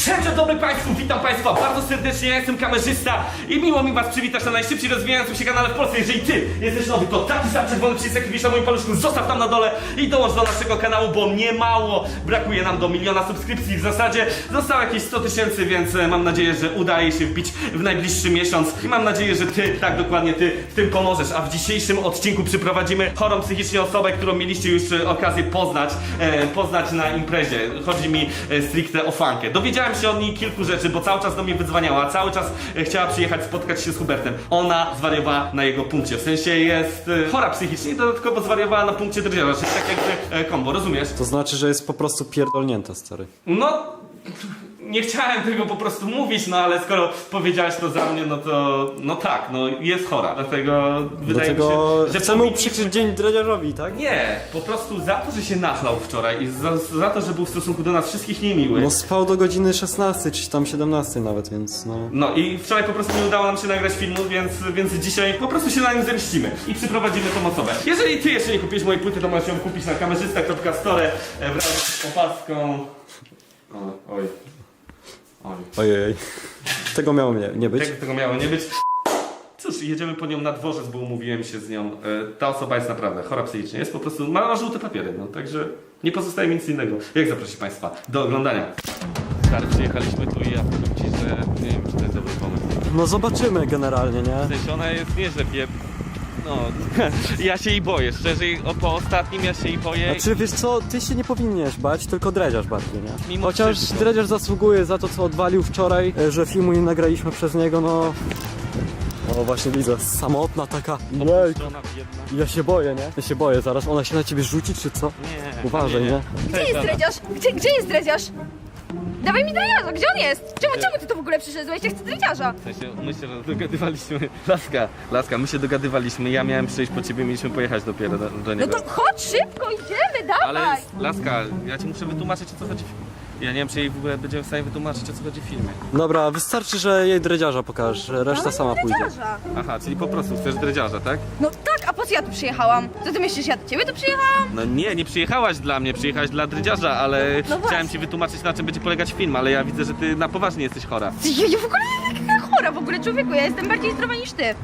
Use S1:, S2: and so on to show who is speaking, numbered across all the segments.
S1: Cześć, dzień dobry Państwu, witam Państwa bardzo serdecznie, ja jestem kamerzysta i miło mi Was przywitać na najszybciej rozwijającym się kanale w Polsce. Jeżeli Ty jesteś nowy, to taki sam czerwony przycisk, jaki widzisz na moim paluszku, zostaw tam na dole i dołącz do naszego kanału, bo niemało brakuje nam do 1 000 000 subskrypcji. W zasadzie zostało jakieś 100 000, więc mam nadzieję, że udaje się wbić w najbliższy miesiąc i mam nadzieję, że Ty, tak dokładnie Ty w tym pomożesz. A w dzisiejszym odcinku przyprowadzimy chorą psychicznie osobę, którą mieliście już okazję poznać na imprezie. Chodzi mi stricte o Fankę. Dowiedziałem się od niej kilku rzeczy, bo cały czas do mnie wydzwaniała, cały czas chciała przyjechać, spotkać się z Hubertem. Ona zwariowała na jego punkcie, w sensie jest chora psychicznie i dodatkowo zwariowała na punkcie drdziarza, czyli tak jakby kombo, rozumiesz?
S2: To znaczy, że jest po prostu pierdolnięta, stary.
S1: No, nie chciałem tego po prostu mówić, no ale skoro powiedziałeś to za mnie, no to, no tak, no jest chora, dlatego wydaje mi się, że
S2: chcemy
S1: powinniśmy-
S2: uprzykrzyć dzień dredziarzowi, tak?
S1: Nie, po prostu za to, że się nachlał wczoraj i za to, że był w stosunku do nas wszystkich niemiły.
S2: No spał do godziny 16, czy tam 17 nawet, więc no...
S1: No i wczoraj po prostu nie udało nam się nagrać filmu, więc dzisiaj po prostu się na nim zemścimy i przyprowadzimy tą osobę. Jeżeli Ty jeszcze nie kupiłeś mojej płyty, to możesz ją kupić na kamerzysta.store wraz z opaską. Oj.
S2: Ojej. Tego miało nie być.
S1: Tego miało nie być. Cóż, jedziemy po nią na dworzec, bo umówiłem się z nią. Ta osoba jest naprawdę chora psychicznie, jest po prostu, ma żółte papiery, no także nie pozostaje mi nic innego. Jak zaprosić Państwa do oglądania? Stary, przyjechaliśmy tu i ja powiem Ci, że nie wiem, czy to jest dobry pomysł.
S2: No zobaczymy generalnie, nie?
S1: W sensie ona jest nie, że no, ja się jej boję, szczerze, po ostatnim ja się jej boję.
S2: Znaczy wiesz co, ty się nie powinieneś bać, tylko dredziarz bardziej, nie?
S1: Mimo
S2: Chociaż
S1: wszystko.
S2: dredziarz zasługuje za to, co odwalił wczoraj, że filmu nie nagraliśmy przez niego, no... O właśnie widzę, samotna taka. Jej,
S1: Żona biedna.
S2: ja się boję, nie? Ja się boję, zaraz ona się na ciebie rzuci, czy co?
S1: Nie.
S2: Uważaj, nie?
S3: Gdzie jest dredziarz? Gdzie jest dredziarz? Dawaj mi dredziarza, gdzie on jest? Czemu ty tu w ogóle przyszedłeś? Ja chcę dredziarza.
S1: W sensie, my się dogadywaliśmy. Laska, my się dogadywaliśmy, ja miałem przyjść po ciebie, mieliśmy pojechać dopiero do
S3: No
S1: niego.
S3: to chodź szybko, idziemy, dawaj.
S1: Ale Laska, ja ci muszę wytłumaczyć, o co chodzi w filmie. Ja nie wiem, czy jej w ogóle będziemy w stanie wytłumaczyć, o co chodzi w filmie.
S2: Dobra, wystarczy, że jej dredziarza pokażesz, reszta sama pójdzie.
S3: Dredziarza.
S1: Aha, czyli po prostu chcesz dredziarza, tak?
S3: No tak, a po co ja tu przyjechałam? Co ty myślisz, ja do ciebie tu przyjechałam?
S1: No nie przyjechałaś dla mnie, przyjechałaś dla dredziarza, ale
S3: No
S1: chciałem
S3: właśnie.
S1: ci wytłumaczyć, na czym będzie polegać film, ale ja widzę, że ty na poważnie jesteś chora.
S3: Ja w ogóle nie jestem taka chora, w ogóle człowieku, ja jestem bardziej zdrowa niż ty.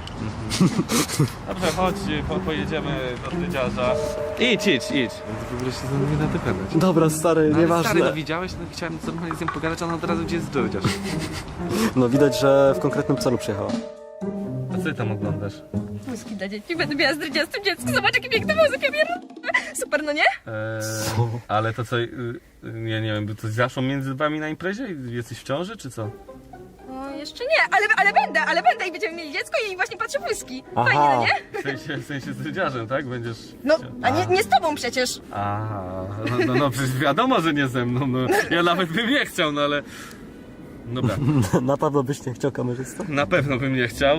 S1: Dobrze, chodź, pojedziemy do dredziarza. Idź. W ogóle się ze mną nie da dogadać.
S2: Dobra, stary,
S1: Ale
S2: nieważne.
S1: stary, no widziałeś? No chciałem normalnie z nią pogadać, a ona od razu gdzie jest dredziarz.
S2: No widać, że w konkretnym celu przyjechała.
S1: A co ty tam oglądasz?
S3: Wózki dla dzieci, będę miała z dredziastym dziecko, zobacz jaki piękny wózek, ja super, no nie?
S1: Ale to co, ja nie wiem, to zaszło między wami na imprezie? Jesteś w ciąży, czy co?
S3: No jeszcze nie, ale będę i będziemy mieli dziecko i właśnie patrzę wózki.
S2: Aha.
S3: Fajnie, no nie?
S1: W sensie z dredziarzem, tak? Będziesz...
S3: No, a nie z tobą przecież.
S1: Aha, no przecież wiadomo, że nie ze mną, no. Ja nawet bym nie chciał, no ale... Dobra,
S2: Na pewno byś nie chciał kamerzysta?
S1: na pewno bym nie chciał,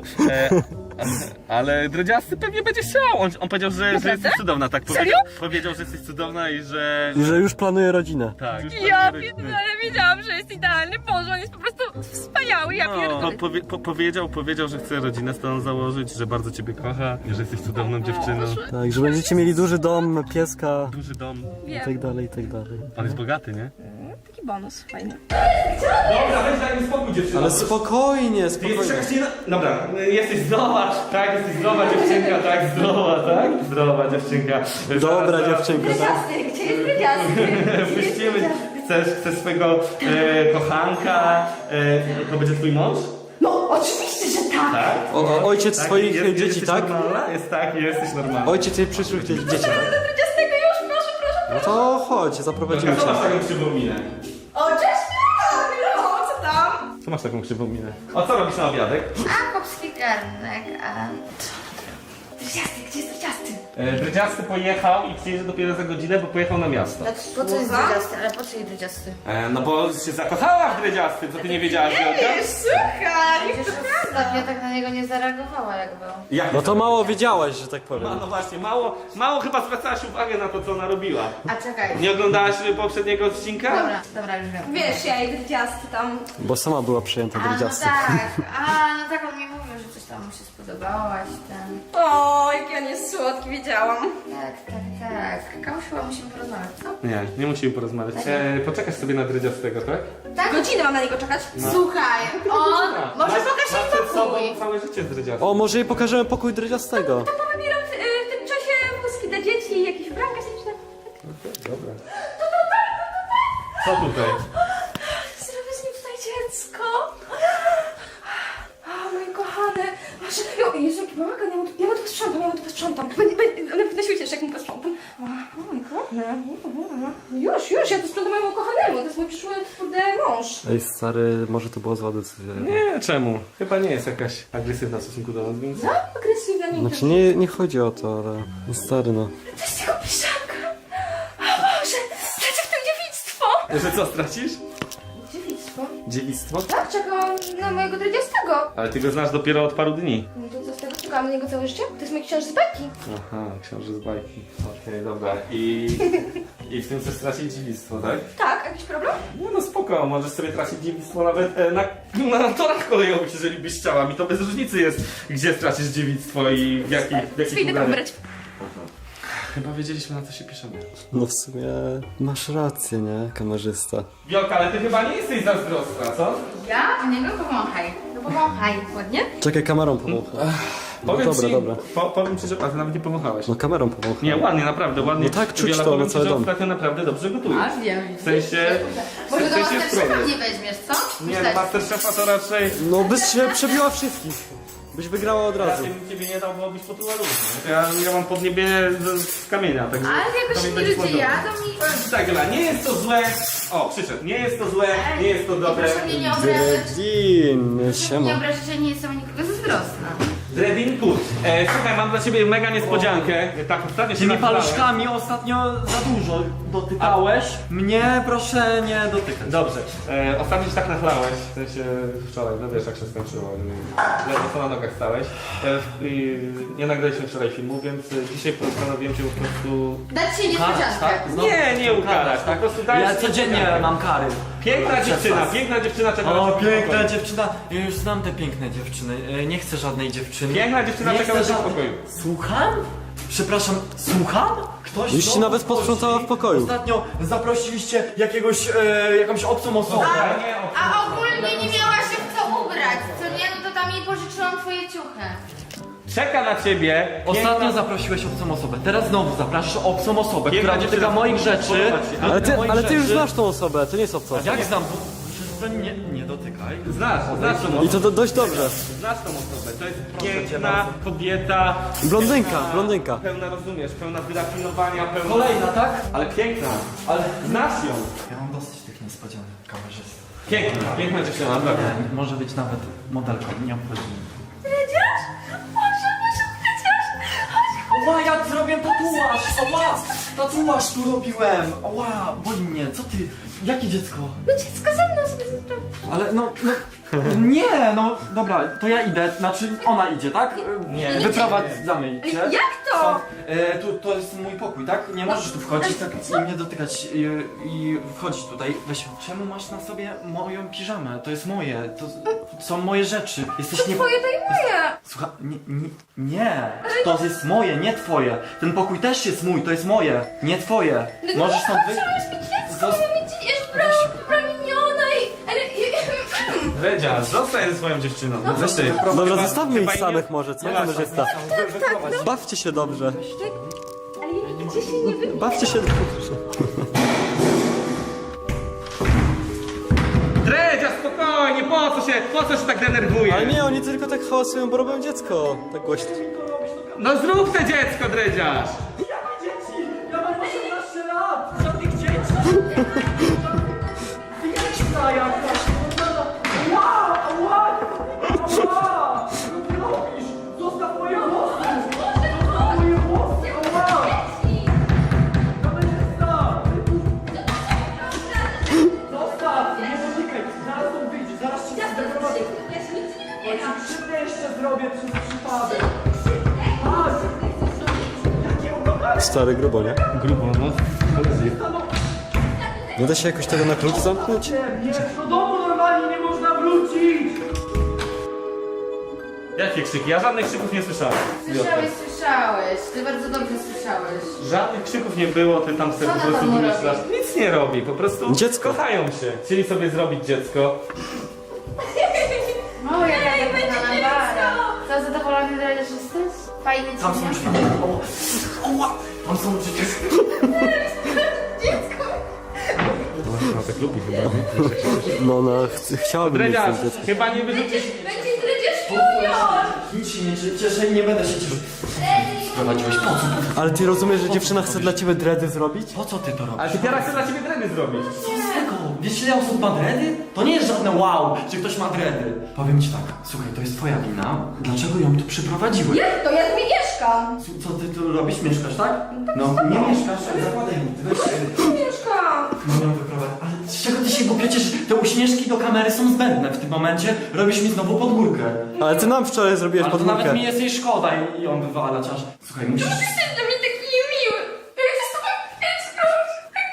S1: ale dredziasty pewnie będzie chciał. On powiedział, że jesteś cudowna, tak? Powiedział, że jesteś cudowna i że...
S2: I że już planuje rodzinę.
S1: Tak.
S3: Ja pierdolę, wiedziałam, że jest idealny. Boże, on jest po prostu wspaniały, ja
S1: No,
S3: pierdolę.
S1: powiedział, że chce rodzinę z tobą założyć, że bardzo ciebie kocha, że jesteś cudowną dziewczyną.
S2: Tak, że będziecie mieli duży dom, pieska
S1: Duży dom.
S2: i tak dalej, i tak dalej.
S1: Pan jest bogaty, nie?
S3: Taki bonus, fajny.
S1: Dobra, weź daj mi spokój, dziewczyno.
S2: Ale spokojnie, spokojnie.
S1: Dobra, jesteś zdrowa, tak? Jesteś zdrowa dziewczynka, tak? Zdrowa dziewczynka.
S2: Dobra dziewczynka, tak?
S3: Dredziasty, gdzie jest dredziasty?
S1: Puścimy. Chcesz swojego kochanka, to będzie twój mąż?
S3: No, oczywiście, że tak.
S1: Tak?
S2: Ojciec
S1: Tak?
S2: swoich dzieci,
S1: jesteś
S2: tak?
S1: normalna? jesteś normalna.
S2: Ojciec jej przyszłych dzieci, tak?
S3: Do dredziastego już, proszę.
S2: No to chodź, zaprowadzimy
S1: Co masz
S2: cię.
S1: taką krzywą minę?
S3: O, cześć, Kamilo, co tam?
S1: Co masz taką krzywą minę? O, co robisz na obiadek?
S4: A, chłopski garnek, a...
S3: Dredziasty, gdzie jest dredziasty?
S1: Dredziasty pojechał i przyjedzie dopiero za godzinę, bo pojechał na miasto.
S4: Po co jest dredziasty? Ale po co jej dredziasty?
S1: No bo się zakochała w dredziastym, co ty nie wiedziałaś, Wielka?
S3: Słuchaj.
S4: Przecież ostatnio tak na niego nie zareagowała jak był.
S1: Jak
S2: No to mało wiedziałaś, że tak powiem.
S1: No właśnie, mało chyba zwracałaś uwagę na to, co ona robiła.
S4: A czekaj.
S1: Nie oglądałaś poprzedniego odcinka?
S4: Dobra, już wiem.
S3: Wiesz, ja i dredziasty tam.
S2: Bo sama była przyjęta
S4: A, no
S2: dredziasty.
S4: tak, no tak, on mi mówił, że coś tam tam mu się spodobałaś, ten...
S3: O, jaki on jest słodki, wiedziałam.
S4: Tak. Kamuś chyba musimy porozmawiać, co?
S1: Nie musimy porozmawiać. Poczekasz sobie na dredziastego, tak?
S4: Tak?
S3: Godzinę mam na niego czekać.
S4: Słuchaj, on... Może pokaż
S1: Masz
S4: jej
S1: przed sobą
S4: pokój.
S1: całe życie z dredziastym.
S2: O, może jej pokażemy pokój dredziastego.
S3: Tam powybieram w tym czasie wózki dla dzieci, jakieś ubranka śliczne.
S1: Dobra. Co tutaj?
S3: Zrobię z nim tutaj dziecko. O, mój kochany. Jezu, jaki bałagan, ja mu to posprzątam, Na świecie jeszcze jak mu posprzątam. O, mój kochany. Już, ja to sprzątam mojemu kochanemu, to jest mój przyszły, kurde, mąż.
S2: Ej, stary, może to była zła decyzja.
S1: Nie, czemu? Chyba nie jest jakaś agresywna w stosunku do nas, więc...
S3: No, agresywna, nie
S2: Znaczy, nie chodzi o to, ale... No, stary, no.
S3: To jest jego piszanka. O Boże, tracę w tym dziewictwo.
S1: Że co, stracisz?
S3: Dziewictwo?
S1: Dziewictwo?
S3: Tak, czekam na mojego 30.
S1: Ale ty go znasz dopiero od paru dni.
S3: No to co z tego, czekałam na niego całe życie? To jest mój książę z bajki.
S1: Aha, książę z bajki. Okej, dobra. I w tym chcesz stracić dziewictwo, tak?
S3: Tak, jakiś problem?
S1: No spoko, możesz sobie tracić dziewictwo nawet na torach kolejowych, jeżeli byś chciała. Mi to bez różnicy jest, gdzie stracisz dziewictwo i w jakich
S3: Idę go
S1: ubraniach.
S3: wybrać.
S1: Chyba wiedzieliśmy, na co się piszemy.
S2: No w sumie masz rację, nie, kamerzysta?
S1: Wiolka, ale ty chyba nie jesteś zazdrosna, co?
S4: Ja? Nie, no pomachaj. No pomachaj.
S3: Ładnie?
S2: Czekaj, kamerą pomogę. No
S1: Powiem
S2: dobra,
S1: ci,
S2: dobra.
S1: Powiem ci, że ty nawet nie pomachałeś.
S2: No kamerą pomogę.
S1: Nie, ładnie, naprawdę, ładnie.
S2: No tak, czuć
S1: Wiola,
S2: to
S1: powiem
S2: na
S1: ci,
S2: cały
S1: że
S2: dom.
S1: ostatnio naprawdę dobrze gotujesz.
S4: A, wiem.
S1: W sensie...
S4: Może
S1: w
S4: do
S1: sensie jest
S4: Masterchefa
S1: problem.
S4: nie weźmiesz, co?
S1: Nie, no Masterchefa to raczej...
S2: No byś się przebiła wszystkich. Byś wygrała od razu.
S1: Raczej bym ciebie nie dał, bo byś potruła ludzi. Ja mam podniebie z kamienia, także...
S4: Ale jakoś
S1: to mi
S4: inni
S1: będzie
S4: ludzie
S1: podobne.
S4: jadą i...
S1: Powiem ci tak, Ela, nie jest to złe... O, przyszedł. Nie jest to złe, nie jest to dobre.
S4: Proszę mnie nie obrażać.
S2: Dredin,
S4: Nie
S2: siema.
S4: obrażać, że nie jestem nikogo zazdrosna.
S1: Dredinku, słuchaj, mam dla ciebie mega niespodziankę. Tak, ostatnio się
S5: Tymi
S1: nachylałem.
S5: paluszkami ostatnio za dużo dotykałeś. Mnie proszę nie dotykać.
S1: Dobrze, ostatnio się tak nachlałeś, w sensie wczoraj, no wiesz jak się skończyło, ledwo co na nogach stałeś. Nie nagraliśmy wczoraj filmu, więc dzisiaj postanowiłem cię po prostu...
S4: Dać ci niespodziankę.
S5: Tak? Znowu
S1: Nie ukarać, po prostu dajesz...
S5: Ja codziennie mam kary.
S1: Piękna dziewczyna czeka na
S5: O,
S1: ciebie w
S5: piękna
S1: pokoju.
S5: dziewczyna. Ja już znam te piękne dziewczyny. Nie chcę żadnej dziewczyny.
S1: Piękna dziewczyna
S5: Nie
S1: czeka
S5: chcę
S1: na ciebie w
S5: żadnej-
S1: pokoju.
S5: Słucham? Przepraszam, słucham? Ktoś
S2: Już ci
S5: znowu
S2: nawet posprzątała w pokoju.
S5: Ostatnio zaprosiliście jakąś obcą osobę.
S4: A ogólnie nie miałaś się w co ubrać, co nie? No to tam jej pożyczyłam twoje ciuchy.
S1: Czeka na ciebie.
S5: Ostatnio zaprosiłeś obcą osobę, teraz znowu zapraszasz obcą osobę,
S1: Piękna
S5: która dotyka
S1: dziewczyna.
S5: moich rzeczy.
S1: Podoba ci się.
S2: Ale ty już znasz tą osobę, to nie jest obca.
S5: Jak znam? Przestań, nie dotykaj.
S1: Znasz tą
S2: I
S1: osobę.
S2: to dość dobrze.
S1: Znasz tą osobę. To jest piękna kobieta.
S2: Blondynka,
S1: pełna-
S2: blondynka.
S1: Pełna, rozumiesz, pełna wyrafinowania, pełna...
S5: Kolejna, tak?
S1: Ale piękna.
S5: Ale
S1: Znasz ją.
S5: ja mam dosyć tych niespodzianek, kamerzysta.
S1: Piękna dziewczyna, naprawdę.
S5: Nie, może być nawet modelką, nie obchodzi mnie.
S3: Dredziarz? Boże, dredziarz!
S5: Ła, ja zrobię tatuaż! Ła, tatuaż tu robiłem! Ła, boli mnie, co ty? Jakie dziecko?
S3: No dziecko ze mną sobie zrobił.
S5: Ale nie, no dobra, to ja idę, znaczy ona idzie, tak?
S1: Nie.
S5: Wyprowadzamy cię.
S3: Jak to?
S5: To jest mój pokój, tak? Nie możesz tu wchodzić tak, i mnie dotykać i wchodzić tutaj. Weź, czemu masz na sobie moją piżamę? To jest moje, to są moje rzeczy. Jesteś nie...
S3: Twoje to i moje.
S5: Słuchaj, nie, to jest moje, nie twoje. Ten pokój też jest mój, to jest moje, nie twoje. Możesz stąd wyjść.
S3: Broniona i...
S1: Redzia, zostań ze swoją dziewczyną. Weź ty.
S2: Dobra, zostawmy
S1: chyba
S2: ich
S1: nie-
S2: samych może, co
S1: nie
S2: kamerzysta? Bawcie się dobrze.
S3: Ale ja nigdzie się nie wybiję.
S2: Bawcie się dobrze.
S1: Dredzia, spokojnie, po co się tak denerwujesz?
S2: Ale nie, oni tylko tak hałasują, bo robią dziecko. Tak głośno.
S1: No zrób te dziecko, dredziarz!
S5: Jakie dzieci? Ja mam 18 lat! Żadnych dzieci! Wieczna jakaś! Ła! Ła! Ła! Co ty robisz? Zostaw moje włosy! Zostaw moje włosy! Ła! Kamerzysta! Zostaw! Nie dotykaj! Zaraz stąd wyjdzie! Zaraz cię zdenerwuję!
S3: Ja się nigdzie nie
S5: Ja
S3: wybieram.
S5: ci krzywdę jeszcze zrobię przez przypadek! Tak! Jakie ukochane!
S2: Stary grubo, nie?
S1: Grubo, no.
S2: Nie da się jakoś tego na klucz zamknąć?
S5: Nie, do domu normalnie nie można wrócić!
S1: Jakie krzyki? Ja żadnych krzyków nie słyszałem.
S4: Słyszałeś. Ty bardzo dobrze słyszałeś.
S1: Żadnych krzyków nie było, ty tam sobie
S4: Co
S1: po
S4: na
S1: prostu
S4: panu
S1: wymyślasz.
S4: robi?
S1: Nic nie robi, po prostu
S2: Dziecko.
S1: kochają się. Chcieli sobie zrobić dziecko.
S4: O, jaka zadowolona Bara. Co, zadowolony dredziarz jesteś? Fajnie ci
S5: Tam są
S4: nie?
S5: drzwi. Oła! Tam są przecież...
S1: No tak lubi chyba.
S2: No ona chciałaby mieć
S1: Dredziarz,
S2: ten dziecko.
S1: chyba nie wyrzucisz.
S3: Będzie dredziarz junior!
S5: Nic się nie cieszę i nie będę się cieszył. Sprowadziłeś, po co?
S2: Ale ty rozumiesz, że dziewczyna chce dla ciebie dready zrobić?
S5: Po co ty to robisz?
S1: Ale ty teraz chcę dla ciebie dredy zrobić.
S5: Co z tego? Wiesz ile osób ma dredy? To nie jest żadne wow, że ktoś ma dredy. Powiem ci tak, słuchaj, to jest twoja wina. Dlaczego ją tu przyprowadziłeś?
S3: Jak to? Ja tu nie mieszkam!
S5: Co ty tu robisz? Mieszkasz, tak? No, nie mieszkasz, zakładaj mi. Weź
S3: Mieszkam!
S5: no ją wyprowadź. Ale z czego ty się go przecież te uśmieszki do kamery są zbędne w tym momencie. Robisz mi znowu pod górkę.
S2: Ale ty nam wczoraj zrobiłeś
S5: Ale to
S2: podwórkę.
S5: nawet mi jest jej szkoda i on wywala aż. Słuchaj, musisz...
S3: Jesteś dla mnie taki niemiły! Ja chcę z tobą mieszkać!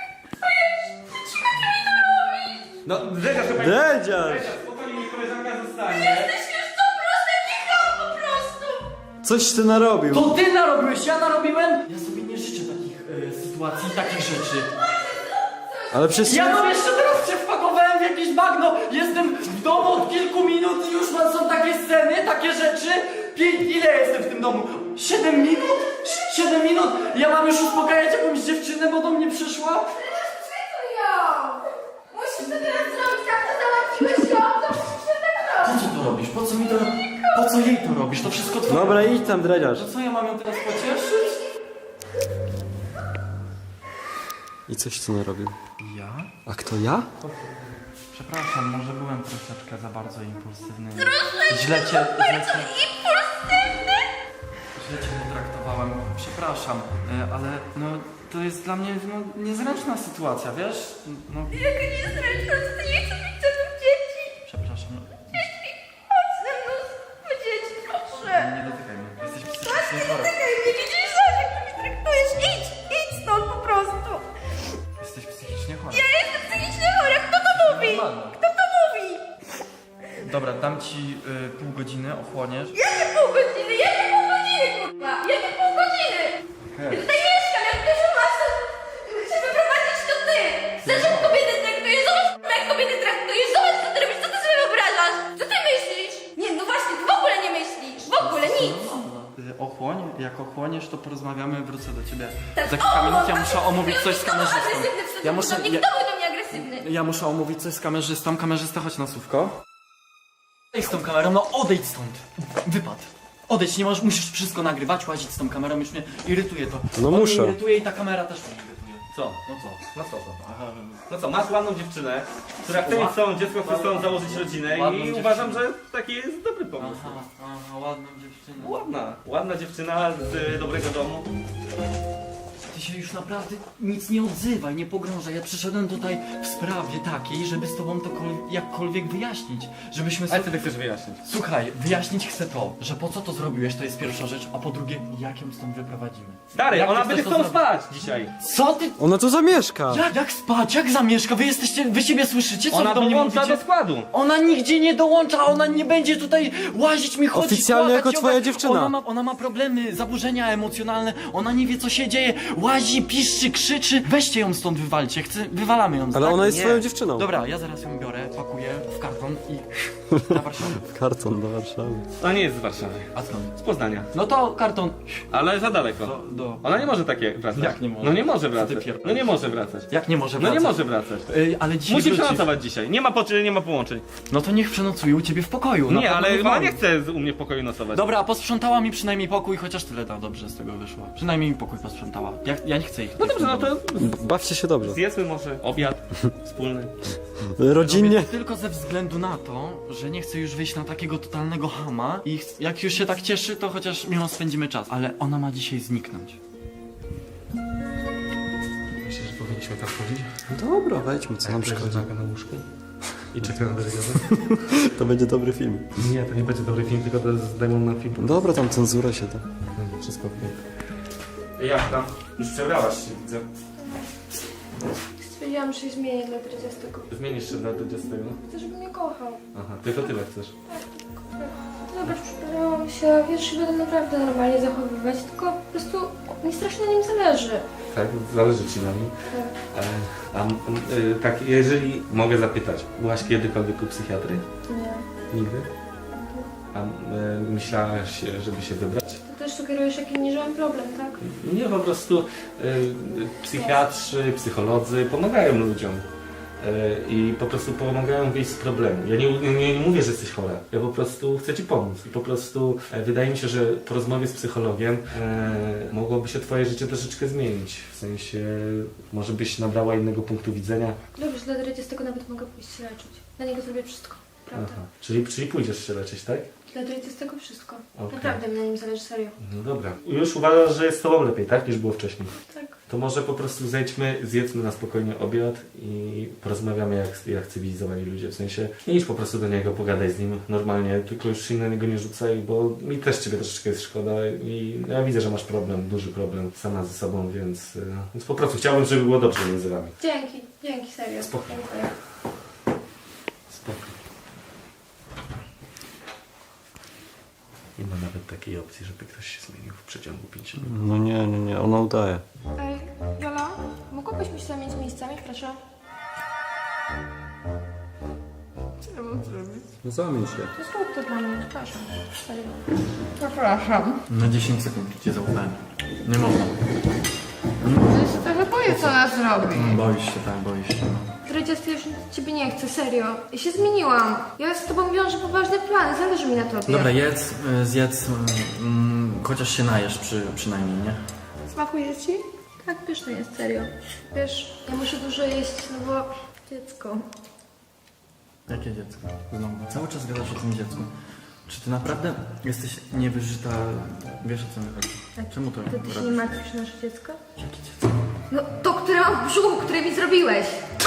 S1: No, Dredziarz, chyba...
S2: Dredziarz!
S1: Spokojnie, mi koleżanka zostanie.
S3: Jesteś już to proste, kicham po prostu!
S2: Coś ty narobił.
S5: To ty narobiłeś, ja narobiłem? Ja sobie nie życzę takich sytuacji, takich rzeczy.
S2: Ale przecież...
S5: Ja no jeszcze teraz się wpakowałem w jakieś bagno. Jestem w domu od kilku minut i już są takie sceny, takie rzeczy. Ile jestem w tym domu? 7 minut? 7 minut? Ja mam już uspokajać jakąś dziewczynę, bo do mnie przyszła?
S3: Musisz to teraz zrobić, tak to załatwiłeś ją, to musisz to tak
S5: Po
S3: robić!
S5: co to robisz? Po co mi to Po co jej to robisz? To wszystko twoje.
S2: Dobra, idź tam, dredziarz.
S5: To co ja mam ją teraz pocieszyć?
S2: I coś ty narobił.
S5: Ja?
S2: A kto ja?
S5: Przepraszam, może byłem troszeczkę za bardzo impulsywny. Źle cię potraktowałem. Przepraszam, ale no to jest dla mnie niezręczna sytuacja, wiesz? No,
S3: Jaka niezręczność, ty nie chcesz mieć ze mną dzieci!
S5: przepraszam. No,
S3: Chodź ze mną, my dzieci, proszę!
S5: nie dotykaj mnie. Jesteś psychicznie chory.
S3: Czekaj, nie widzisz, jak ty mnie traktujesz? Idź stąd po prostu!
S5: Jesteś psychicznie chory.
S3: Ja jestem psychicznie chora, kto to mówi? Kto to mówi?
S5: Dobra, dam ci pół godziny, ochłoniesz.
S3: Jakie pół godziny? Jakie pół godziny, kurwa? Jakie pół godziny? Ja tutaj mieszkam, jak ktoś masz, to chcę wyprowadzić to ty! Chcesz, jak kobiety traktujesz? Zobacz, kurwa, jak kobiety traktujesz! Zobacz, co ty robisz, co ty sobie wyobrażasz? Co ty myślisz? Nie, no właśnie, ty w ogóle nie myślisz! W ogóle nic!
S5: Ochłoń, jak ochłoniesz, to porozmawiamy, wrócę do ciebie
S3: Tak,
S5: za kilka minut. Ja
S3: tak,
S5: muszę omówić coś z kamerzystą.
S3: Agresywny w
S5: Ja muszę,
S3: stosunku do mnie, kto był do mnie agresywny?
S5: ja muszę omówić coś z kamerzystą. Kamerzysta, chodź na słówko. Odejdź z tą kamerą, no odejdź stąd. Wypad. Odejdź, nie możesz, musisz wszystko nagrywać, łazić z tą kamerą, już mnie irytuje to.
S2: No
S5: On
S2: muszę.
S5: mnie irytuje i ta kamera też mnie irytuje.
S1: Co?
S5: No co?
S1: No co to?
S5: Aha,
S1: No co, masz ładną dziewczynę, która chce mieć całą dziecko, chce z tobą założyć rodzinę
S5: Ładną
S1: i
S5: dziewczynę.
S1: uważam, że taki jest dobry pomysł.
S5: aha, ładną dziewczynę.
S1: Ładna dziewczyna z dobrego domu.
S5: Ty się już naprawdę nic nie odzywaj, nie pogrążaj. Ja przyszedłem tutaj w sprawie takiej, żeby z tobą to jakkolwiek wyjaśnić. Żebyśmy
S1: Ale
S5: sobie...
S1: ty chcesz wyjaśnić.
S5: Słuchaj, wyjaśnić chcę to, że po co to zrobiłeś, to jest pierwsza rzecz, a po drugie, jak ją stąd wyprowadzimy.
S1: Stary,
S5: Jak
S1: ona
S5: ty
S1: będzie
S5: chcesz
S1: z
S5: to
S1: tobą
S5: zrobić?
S1: spać dzisiaj.
S5: Co ty?
S2: Ona tu zamieszka.
S5: Jak spać? Jak zamieszka? Wy siebie słyszycie? Co
S1: Ona
S5: wy do mnie
S1: dołącza
S5: mówicie?
S1: do składu.
S5: Ona nigdzie nie dołącza, ona nie będzie tutaj łazić mi, chodzić,
S2: Oficjalnie
S5: płakać,
S2: jako twoja
S5: ciągać.
S2: dziewczyna.
S5: Ona ma problemy, zaburzenia emocjonalne, ona nie wie co się dzieje, łazi, piszczy, krzyczy. Weźcie ją stąd, wywalcie, wywalamy ją.
S2: Ale
S5: tak?
S2: ona jest
S1: Nie.
S2: twoją dziewczyną.
S5: Dobra, ja zaraz ją biorę, pakuję w karton i na Warszawę.
S2: Karton do Warszawy.
S1: Ona nie jest z Warszawy.
S5: A skąd?
S1: Z Poznania.
S5: No to karton
S1: Ale za daleko.
S5: do...
S1: Ona nie może takie wracać.
S5: Jak nie może?
S1: No nie może
S5: Co ty
S1: wracać.
S5: pierdolisz?
S1: No nie może wracać.
S5: Jak nie może
S1: No
S5: wracać?
S1: nie może wracać.
S5: Ale dzisiaj
S1: Musi
S5: wróci.
S1: przenocować dzisiaj. Nie ma połączeń.
S5: No to niech przenocuje u ciebie w pokoju.
S1: Nie,
S5: na
S1: ale
S5: pewno
S1: ona
S5: wam.
S1: nie chce u mnie w pokoju nocować.
S5: Dobra, a posprzątała mi przynajmniej pokój, chociaż tyle tam dobrze z tego wyszło. Przynajmniej mi pokój posprzątała. Ja nie chcę ich.
S1: No dobrze, no to
S2: Bawcie się dobrze.
S1: zjedzmy może obiad wspólny.
S2: Rodzinnie.
S5: Robię tylko ze względu na to, że nie chcę już wyjść na takiego totalnego chama i jak już się tak cieszy, to chociaż miło spędzimy czas. Ale ona ma dzisiaj zniknąć.
S1: Myślisz, że powinniśmy tam wchodzić?
S2: Dobra, wejdźmy, co nam szkodzi.
S1: na łóżku? I czekam na dyrektorze?
S2: To będzie dobry film.
S1: Nie, to nie będzie dobry film, tylko to zdejmą na film.
S2: Dobra, tam cenzura się da.
S1: Wszystko okej. Jak tam? Już przebrałaś się, widzę.
S3: Stwierdziłam, że się zmienię dla 30.
S1: Zmienisz się na 20.
S3: Chcę, żeby mnie kochał.
S1: Aha, tylko tyle chcesz.
S3: Dobra, przepraszam się, wiesz, będę naprawdę normalnie zachowywać, tylko po prostu mi strasznie na nim zależy.
S1: Tak, zależy ci na nim. Tak, jeżeli mogę zapytać, byłaś kiedykolwiek u psychiatry?
S3: Nie.
S1: Nigdy? A myślałaś, żeby się wybrać?
S3: Ty też sugerujesz, jaki nie mam problem, tak?
S1: Nie, po prostu psychiatrzy, psycholodzy pomagają ludziom. I po prostu pomagają wyjść z problemu. Ja nie mówię, że jesteś chora. Ja po prostu chcę ci pomóc. I po prostu wydaje mi się, że po rozmowie z psychologiem mogłoby się twoje życie troszeczkę zmienić. W sensie może byś nabrała innego punktu widzenia.
S3: Dobrze, dla Dredzie z tego nawet mogę pójść się leczyć. Dla niego zrobię wszystko, prawda?
S1: Aha. Czyli pójdziesz się leczyć, tak?
S3: Dla Dredzie z tego wszystko.
S1: Okej.
S3: Naprawdę mi na nim zależy, serio.
S1: No dobra. Już uważasz, że jest z tobą lepiej, tak? Niż było wcześniej.
S3: Tak.
S1: To może po prostu zejdźmy, zjedzmy na spokojnie obiad i porozmawiamy jak cywilizowani ludzie. W sensie nie idź po prostu do niego, pogadaj z nim normalnie, tylko już się na niego nie rzucaj, bo mi też ciebie troszeczkę jest szkoda i ja widzę, że masz problem, duży problem sama ze sobą, więc po prostu chciałbym, żeby było dobrze między wami.
S3: Dzięki, serio.
S1: Spoko.
S3: Dziękuję.
S1: Spoko. Nie ma nawet takiej opcji, żeby ktoś się zmienił w przeciągu 5 minut.
S2: No nie, ona udaje.
S3: Ej, Jola, mogłabyśmy się zamienić miejscami, proszę? Co ja mam zrobić?
S2: No zamień się.
S3: To zrób to dla mnie, przepraszam. Serio. Przepraszam.
S5: Na 10 sekund cię zaufałem. Nie można.
S4: Ja się trochę boję, co ona zrobi.
S5: Boisz się, tak, boisz się.
S3: Dredzie, ja już ciebie nie chcę, serio. Ja się zmieniłam. Ja z tobą wiążę poważne plany, zależy mi na tobie.
S5: Dobra, zjedz, chociaż się najesz przynajmniej, nie?
S3: Smakuje ci? Tak, pyszne jest, serio. Wiesz, ja muszę dużo jeść, no bo dziecko.
S5: Jakie dziecko? Znowu, cały czas gadasz o tym dziecku. Czy ty naprawdę jesteś niewyżyta? Wiesz, o co mi chodzi? Czemu to
S3: Ty się nie
S5: robisz?
S3: martwisz o nasze dziecko?
S5: Jakie dziecko?
S3: No to, które mam w brzuchu, które mi zrobiłeś.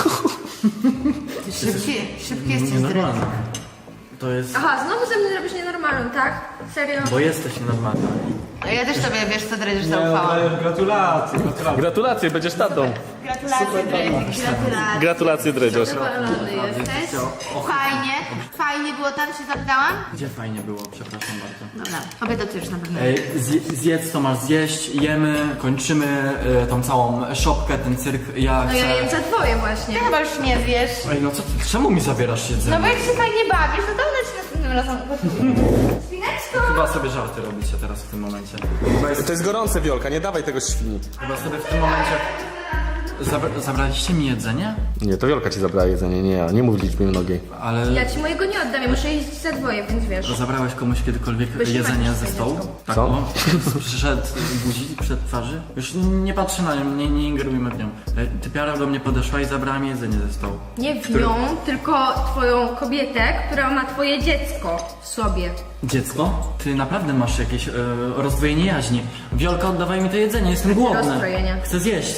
S4: Szybki jesteś
S5: Nienormalne. To jest...
S3: Aha, znowu ze mnie robisz nienormalną, tak? Serio?
S5: Bo jesteś nienormalna.
S4: A ja też tobie, wiesz co, Dredzisz, zaufałam.
S2: Gratulacje.
S1: Gratulacje, będziesz tatą.
S4: Gratulacje, Dredzisz, gratulacje.
S1: Gratulacje, Dredziarz.
S4: Zadowolony jesteś? Fajnie było tam, się zapytałam?
S5: Gdzie fajnie było, przepraszam bardzo.
S4: Dobra, obiad to już na pewno.
S5: Ej, zjedz co masz zjeść, jemy, kończymy tą całą szopkę, ten cyrk. Ja
S3: No
S5: chcę...
S3: ja jem za twoje właśnie.
S4: Ty chyba już nie zjesz.
S5: Ej, no co ty, czemu mi zabierasz jedzenie?
S4: No bo jak się fajnie bawisz, no to ona ci następnym razem Spineczko!
S5: Chyba sobie żarty robicie teraz w tym momencie.
S1: To jest gorące, Wiolka, nie dawaj tego świni.
S5: Chyba sobie w tym momencie... Zabraliście mi jedzenie?
S1: Nie, to Wiolka ci zabrała jedzenie, nie ja. Nie mów liczbie mnogiej.
S5: Ale...
S3: Ja ci mojego nie oddam, ja muszę jeździć za dwoje, więc wiesz.
S5: Zabrałeś komuś kiedykolwiek
S3: Wyśmiewać
S5: jedzenie ze
S3: swoje
S5: stołu?
S3: dziecko.
S5: Tak,
S1: Co?
S5: o, przyszedł guzik przed twarzy? Już nie patrzę na nią, nie ingerujmy w nią. Typiara do mnie podeszła i zabrała mi jedzenie ze stołu.
S3: Nie w nią, tylko twoją kobietę, która ma twoje dziecko w sobie.
S5: Dziecko? Ty naprawdę masz jakieś rozdwojenie jaźni. Wiolka, oddawaj mi to jedzenie, jestem głodny.
S3: rozstrojenie?
S5: Chcę zjeść.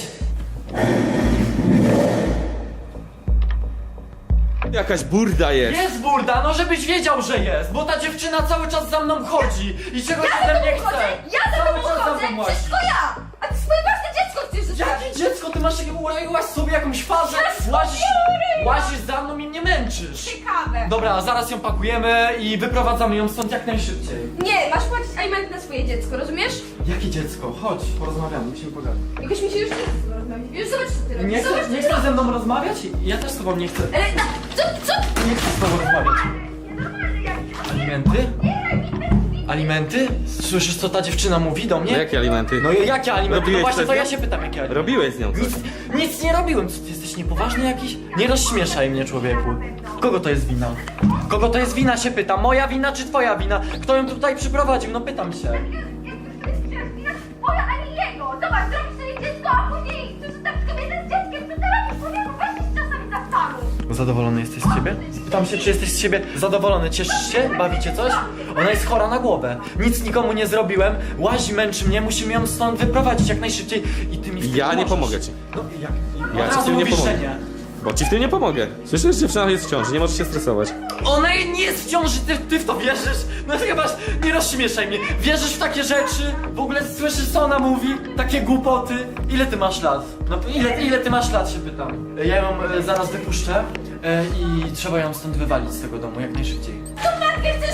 S1: Jakaś burda jest.
S5: Jest burda, no żebyś wiedział, że jest, bo ta dziewczyna cały czas za mną chodzi i czegoś ode mnie chce.
S3: Ja za
S5: Cały
S3: tobą
S5: czas za
S3: chodzę!
S5: mną łazi.
S3: Wszystko ja! A ty swoje własne dziecko chcesz zostawić!
S5: Jakie dziecko? Ty masz uroiłaś sobie jakąś fazę, łazisz za mną i mnie męczysz.
S3: Ciekawe!
S5: Dobra, a zaraz ją pakujemy i wyprowadzamy ją stąd jak najszybciej.
S3: Nie, masz płacić alimenty na swoje dziecko, rozumiesz?
S5: Jakie dziecko? Chodź, porozmawiamy, musimy pogadać.
S3: Jakoś mi się już nie chce z tobą rozmawiać. Już zobacz, co ty robisz.
S5: Nie
S3: Zobacz,
S5: chcesz ze mną rozmawiać? Ja też z tobą nie chcę.
S3: Ale co?
S5: Nie chcę z tobą rozmawiać. Alimenty? Alimenty? Słyszysz, co ta dziewczyna mówi do mnie?
S1: Jakie alimenty?
S5: No i jakie alimenty?
S1: Robiłeś
S5: No właśnie
S1: coś
S5: to
S1: z
S5: ja
S1: nią?
S5: się pytam, jakie alimenty.
S1: Robiłeś z nią coś.
S5: Nic nie robiłem. Co, ty jesteś niepoważny jakiś? Nie rozśmieszaj mnie, człowieku. Kogo to jest wina? Kogo to jest wina, się pytam. Moja wina czy twoja wina? Kto ją tutaj przyprowadził? No pytam się.
S3: Twoja, a nie jego! Zobacz, zrobisz sobie dziecko, a później chcesz zostawić kobietę z dzieckiem. Co ty robisz, człowieku? Weź się czasami zastanów.
S5: Zadowolony jesteś z siebie? Pytam się, czy jesteś z siebie zadowolony. Cieszysz się? Bawicie coś? Ona jest chora na głowę. Nic nikomu nie zrobiłem. Łazi, męczy mnie. Musimy ją stąd wyprowadzić jak najszybciej. I ty mi z tym
S1: Ja nie
S5: pomożesz.
S1: pomogę ci.
S5: No jak?
S1: Ja
S5: Od
S1: ci w
S5: razu
S1: tym nie
S5: mówisz,
S1: pomogę.
S5: że nie.
S1: Bo ci w tym nie pomogę. Słyszysz, dziewczyna jest w ciąży, nie możesz się stresować.
S5: Ona nie jest w ciąży, ty w to wierzysz? No chyba nie rozśmieszaj mnie. Wierzysz w takie rzeczy? W ogóle słyszysz, co ona mówi? Takie głupoty? Ile ty masz lat? No ile ty masz lat, się pytam. Ja ją zaraz wypuszczę i trzeba ją stąd wywalić z tego domu jak najszybciej.
S3: Matkę chcesz z tobą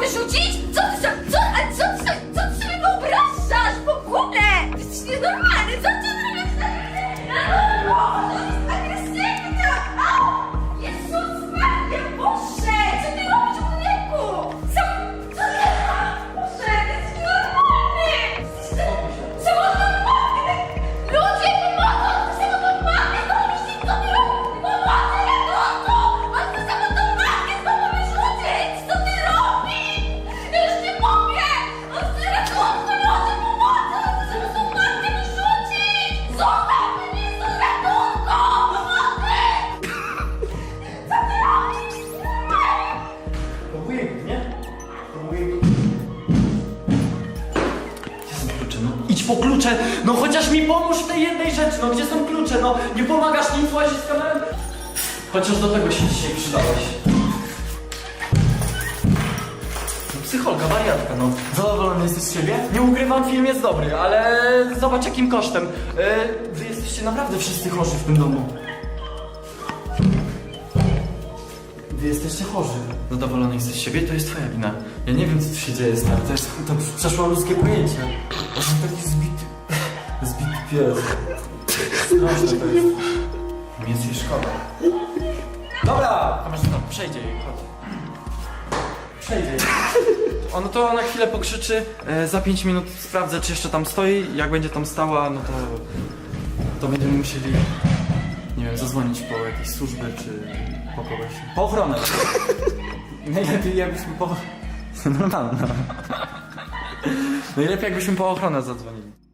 S3: wyrzucić? Co ty sobie wyobrażasz w ogóle? Ty jesteś nienormalny, co ty robisz? To jest agresywne! Jezus Maria, Boże! Co ty robisz, człowieku? Co ty robisz? Boże, ty jesteś nienormalny! Samotną matkę! Ludzie, pomogą! Samotną matkę! Co ty robisz? Pomocy, ratunku! On chce samotną matkę znowu wyrzucić! Co ty robisz? Ja już nie mogę! On chce ratunku! Ludzie, pomocy! On chce samotną matkę wyrzucić! Zostaw mnie! Z ratunku! Pomocy! Co ty robisz?
S5: To wujek, nie? To wujek. Gdzie są klucze? No idź po klucze! No chociaż mi pomóż w tej jednej rzeczy, no gdzie są klucze? No nie pomagasz nic, łazisz z kamerą? Chociaż do tego się dzisiaj przydałeś. No, psycholka, wariatka, no. Zadowolony jesteś z siebie? Nie ukrywam, film jest dobry, ale zobacz jakim kosztem. Wy jesteście naprawdę wszyscy chorzy w tym domu. Wy jesteście chorzy. Zadowolony jesteś z siebie? To jest twoja wina. Ja nie wiem, co tu się dzieje, stary. To przeszło ludzkie pojęcie. To jest taki zbity pies. Straszne to jest. Mi jest jej szkoda. Dobra! Kamerzysta, przejdzie jej, chodź. Przejdzie jej. Ono to na chwilę pokrzyczy. Za 5 minut sprawdzę, czy jeszcze tam stoi. Jak będzie tam stała, no to będziemy musieli, nie wiem, zadzwonić po jakieś służby, czy po kogoś. Po ochronę. Najlepiej jakbyśmy po... Normalne. Najlepiej jakbyśmy po ochronę zadzwonili.